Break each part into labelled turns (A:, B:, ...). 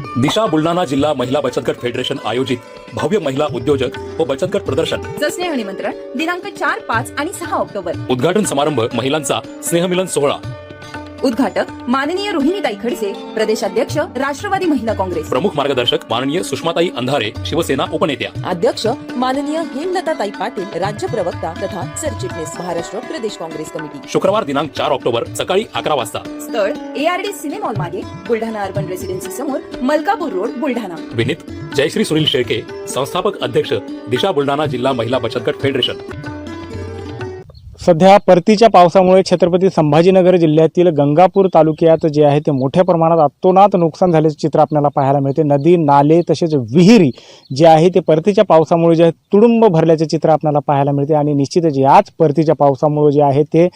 A: दिशा बुलढाणा जिल्हा महिला बचत गट फेडरेशन आयोजित भव्य महिला उद्योजक व बचत गट प्रदर्शन
B: स्नेह निमंत्रण दिनांक 4, 5 आणि 6 ऑक्टोबर.
A: उद्घाटन समारंभ महिलांचा स्नेहमिलन सोहळा.
B: उद्घाटक माननीय रोहिणीताई खडसे, प्रदेशाध्यक्ष राष्ट्रवादी महिला काँग्रेस.
A: प्रमुख मार्गदर्शक माननीय सुषमाताई अंधारे, शिवसेना उपनेत्या.
C: अध्यक्ष माननीय हेमलताताई पाटील, राज्य प्रवक्ता तथा सरचिटणीस, महाराष्ट्र प्रदेश काँग्रेस कमिटी.
A: शुक्रवार दिनांक 4 ऑक्टोबर सकाळी 11 वाजता.
B: स्थळ ARD सिनेमॉल मागे, बुलढाणा अर्बन रेसिडेन्सी समोर, मलकापूर रोड, बुलढाणा.
A: विनीत जयश्री सुनील शेळके, संस्थापक अध्यक्ष दिशा बुलढाणा जिल्हा महिला बचत गट फेडरेशन.
D: सध्या परतीच्या पावसामुळे छत्रपती संभाजीनगर जिल्ह्यातील गंगापूर तालुक्यात जे आहे ते मोठ्या प्रमाणात अतोनात नुकसान झाल्याचे चित्र आपल्याला पाहायला मिळते. नदी, नाले तसेच विहिरी जे आहे ते परतीच्या पावसामुळे जे तुडुंब भरल्याचे चित्र आपल्याला पाहायला मिळते. आणि निश्चितच याच परतीच्या पावसामुळे जे आहे ते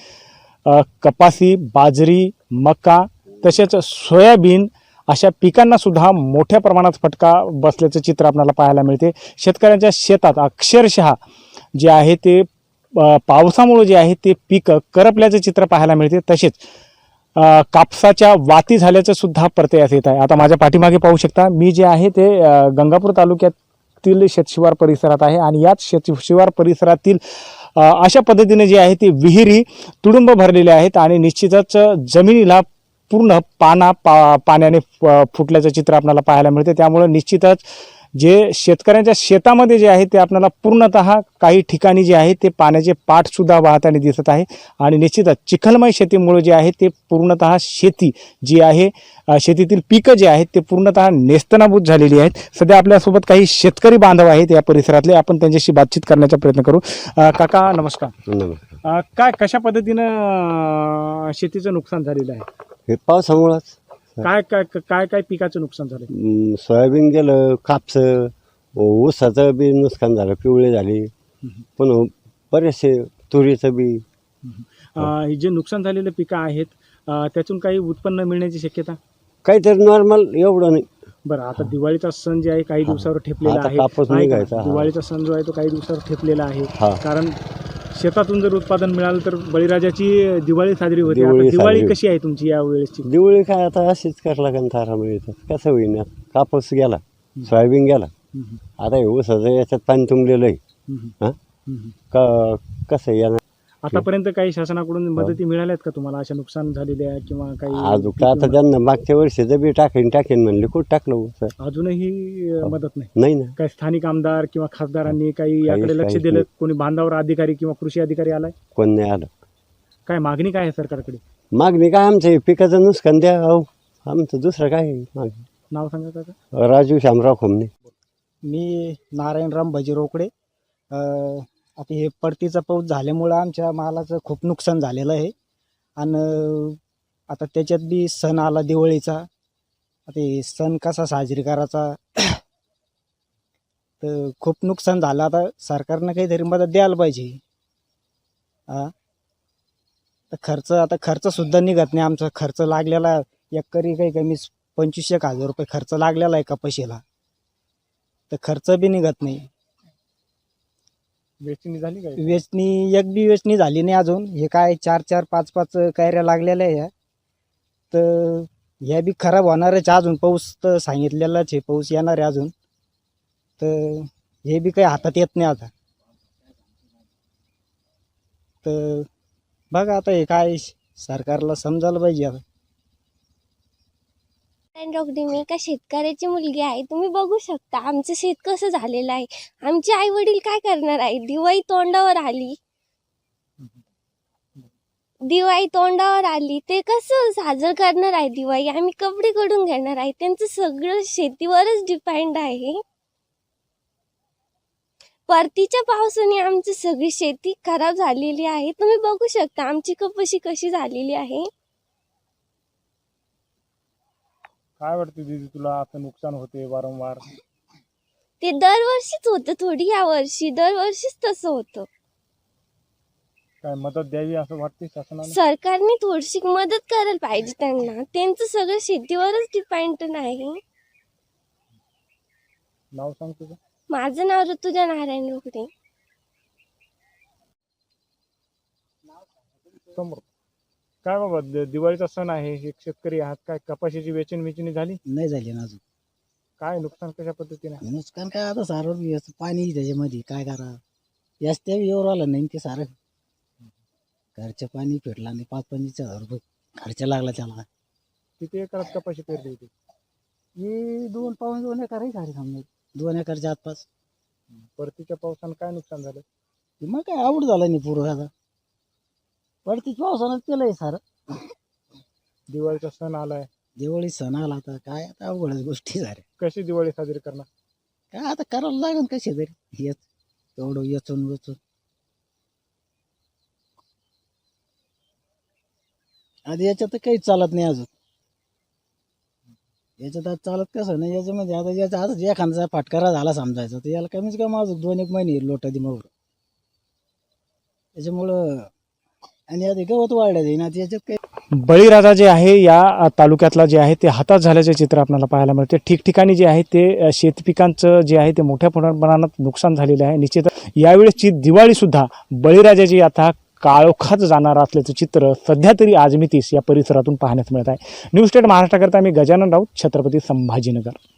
D: कपासी, बाजरी, मका तसेच सोयाबीन अशा पिकांना सुद्धा मोठ्या प्रमाणात फटका बसल्याचे चित्र आपल्याला पाहायला मिळते. शेतकऱ्यांच्या शेतात अक्षरशः जे आहे ते पावसामुळे जे आहे ते पीक करपल्याचे चित्र पाहायला मिळते. तसेच कापसाच्या वाती झाल्याचं सुद्धा प्रत्ययास येत आहे. आता माझ्या पाठीमागे पाहू शकता, मी जे आहे ते गंगापूर तालुक्यातील शेतशिवार परिसरात आहे. आणि याच शेतशिवार परिसरातील अशा पद्धतीने जे आहे ते विहिरी तुडुंब भरलेल्या आहेत. आणि निश्चितच जमिनीला पूर्ण पाण्याने फुटल्याचं चित्र आपल्याला पाहायला मिळते. त्यामुळे निश्चितच जे शेतकऱ्यांच्या शेतामध्ये जे आहे ते आपल्याला पूर्णतः काही ठिकाणी जे आहे ते पाण्याचे पाठसुद्धा वाहताना दिसत आहे. आणि निश्चितच चिखलमय शेतीमुळे जे आहे ते पूर्णतः शेती जी आहे, शेतीतील पिकं जे आहेत ते पूर्णतः नेस्तनाबूत झालेली आहेत. सध्या आपल्यासोबत काही शेतकरी बांधव आहेत या परिसरातले, आपण त्यांच्याशी बातचीत करण्याचा प्रयत्न करू. काका नमस्कार.
E: नमस्कार.
D: काय कशा पद्धतीनं शेतीचं नुकसान झालेलं आहे?
E: हे पावसामुळंच
D: काय काय काय काय पिकाचं नुकसान झालं?
E: सोयाबीन गेलं, कापस, ऊसाचं बी नुकसान झालं, पिवळे झाले. पण बरेचसे तुरीचं बी.
D: हे जे नुकसान झालेले पिकं आहेत त्यातून काही उत्पन्न मिळण्याची शक्यता?
E: काहीतरी नॉर्मल, एवढं नाही.
D: बरं, आता दिवाळीचा सण जे आहे काही दिवसावर ठेपलेला
E: आता
D: आहे.
E: कापूस
D: नाही का?
E: निघायचा.
D: दिवाळीचा सण जो आहे तो काही दिवसावर ठेपलेला आहे.
E: हा.
D: कारण शेतातून जर उत्पादन मिळालं तर बळीराजाची दिवाळी साजरी होते. आता
E: दिवाळी
D: दिवाळी
E: साजरी.
D: कशी आहे तुमची या वेळेसची?
E: दिवाळी काय आता अशीच करायला लागेल, थारा मिळतात. कसं होईना, कापूस गेला, सोयाबीन गेला, आता हे ऊसाचं याच्यात पाणी तुंबलेलं आहे. हां, कसं येणार?
D: आतापर्यंत काही शासनाकडून मदती मिळाल्यात का तुम्हाला अशा नुकसान झालेल्या किंवा काही?
E: अजून आता त्यांना मागच्या वर्षीचं बी टाकेन म्हणले, कुठं टाकलं ऊस?
D: अजूनही मदत नाही?
E: नाही ना.
D: काही स्थानिक आमदार किंवा खासदारांनी काही याकडे लक्ष
E: काहीच
D: दिलं?
E: नाही.
D: कोणी बांधावर अधिकारी किंवा कृषी अधिकारी आलाय?
E: कोण नाही आलं.
D: काय मागणी काय आहे सरकारकडे?
E: मागणी काय, आमचं पिकाचं नुकसान द्या. अहो, आमचं दुसरं काय आहे मागणी?
D: नाव सांगा काका.
E: राजू शामराव खोमणे.
F: मी नारायणराम भजीरोकडे. आता हे परतीचा पाऊस झाल्यामुळं आमच्या मालाचं खूप नुकसान झालेलं आहे. आणि आता त्याच्यात बी सण आला दिवाळीचा. आता हे सण कसा साजरी करायचा तर खूप नुकसान झालं. आता सरकारनं काहीतरी मदत द्यायला पाहिजे. आता खर्चसुद्धा निघत नाही. आमचा खर्च लागलेला एकरी काही कमी 25,000 रुपये खर्च लागलेला आहे कपाशीला, तर खर्च बी निघत नाही.
D: वेचणी झाली काय?
F: वेचणी एक बी वेचणी झाली नाही अजून. हे काय 4-4, 5-5 कैऱ्या लागलेल्या आहे. तर ह्या बी खराब होणारच. अजून पाऊस तर सांगितलेलाच आहे, पाऊस येणार आहे अजून. तर हे बी काही हातात येत नाही आता. तर बघा आता हे काय सरकारला समजायला पाहिजे आता.
G: मी एका शेतकऱ्याची मुलगी आहे. तुम्ही बघू शकता आमचं शेत कसं झालेलं आहे. आमचे आई वडील काय करणार आहे? दिवाळी तोंडावर आली, ते कसं साजरं करणार आहे दिवाळी? आम्ही कपडे कडून घेणार आहे. त्यांचं सगळं शेतीवरच डिपेंड आहे. परतीच्या पावसाने आमची सगळी शेती खराब झालेली आहे. तुम्ही बघू शकता आमची कपाशी कशी झालेली आहे.
D: काय वाटतं दीदी तुला, असं नुकसान होते वारंवार?
G: ते दरवर्षीच होतं, थोडी या वर्षी. दरवर्षीच तसं होतं.
D: काय मदत द्यावी असं वाटते शासनाने?
G: सरकारने थोडीशी मदत करायला पाहिजे त्यांना. त्यांचं सगळं शेतीवरच डिपेंड आहे.
D: नाव सांग तुझं.
G: माझं नाव ऋतुजा नारायण रोकडे.
D: समोर काय बाबा, दिवाळीचा सण आहे, एक शेतकरी आहात, काय कपाशीची वेचणी झाली?
F: नाही झाली ना अजून.
D: काय नुकसान कशा पद्धतीने?
F: नुकसान काय आता सारं याचं पाणी त्याच्यामध्ये काय करा याच ते येऊन आलं नाही ते सारं घरचं पाणी फेटला आणि 5-25,000 रुपये खर्च लागला त्याला.
D: किती एकरात कपाशी पेरली होती?
F: ही 2 एकर आहे सारी समजा 2 एकरच्या आसपास.
D: परतीच्या पावसानं काय नुकसान झालं?
F: मग काय आवड झाला नाही पूर्ण आता पडतीच पावसानं केलंय सारं.
D: दिवाळीचा सण आलाय,
F: दिवाळी सण आला आता काय आता अवघडच गोष्टी झाल्या.
D: कशी दिवाळी साजरी करणार?
F: काय आता करावं लागेल कशी तरी येत एवढं येचून वेचून. आधी याच्यात तर काहीच चालत नाही अजून. याच्यात आज चालत कसं नाही याच्यामध्ये आता याचा आता एखादा फाटकारा झाला समजायचा तर याला कमीच कमी अजून 2-1 महिने लोटा दिमावर त्याच्यामुळं. आणि आधी गवत वाढल्या जाईल आता याच्यात काही.
D: बळीराजा जे आहे या तालुक्यातला जे आहे ते हातात झाल्याचे चित्र आपल्याला पाहायला मिळते. ठिकठिकाणी जे आहे ते शेतपिकांचं जे आहे ते मोठ्या प्रमाणात नुकसान झालेलं आहे. निश्चित यावेळेसची दिवाळीसुद्धा बळीराजाची आता काळोखात जाणार असल्याचं चित्र सध्या तरी आजमितीस या परिसरातून पाहण्यास मिळत आहे. न्यूज स्टेट महाराष्ट्राकरता मी गजानन राऊत, छत्रपती संभाजीनगर.